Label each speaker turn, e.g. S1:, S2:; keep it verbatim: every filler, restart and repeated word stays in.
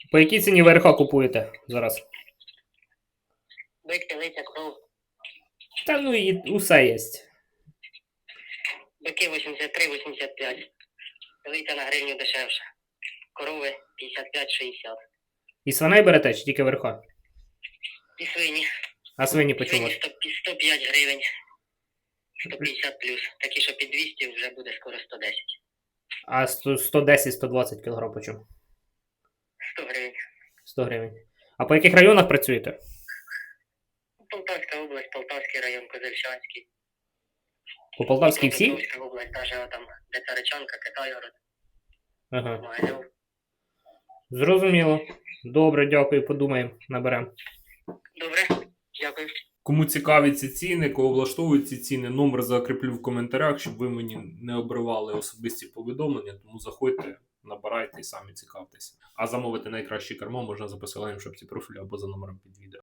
S1: По якій ціні ВРХ купуєте зараз?
S2: Бик, телиця, кров.
S1: Та ну і усе є.
S2: Бики вісімдесят три вісімдесят п'ять. Телиця на гривню дешевше. Корови п'ятдесят п'ять шістдесят.
S1: І свиней берете чи тільки ВРХ?
S2: І свині.
S1: А свині по чому?
S2: Свині сто, сто п'ять гривень. сто п'ятдесят плюс. Такі, що під двісті, вже буде скоро сто десять.
S1: А сто десять - сто двадцять кілограм по чому?
S2: сто гривень.
S1: сто гривень. А по яких районах працюєте?
S2: Полтавська область, Полтавський район, Козельщанський.
S1: По Полтавській всій?
S2: Полтавська область, даже там, де Царичанка, Китайгород,
S1: Ага.
S2: Могилів.
S1: Зрозуміло. Добре, дякую, подумаємо, наберемо.
S2: Добре, дякую.
S3: Кому цікаві ці ціни, кого влаштовують ці ціни, номер закріплю в коментарях, щоб ви мені не обривали особисті повідомлення, тому заходьте, набирайте і самі цікавтеся. А замовити найкраще кермо можна за посиланням в шапці профілю або за номером під відео.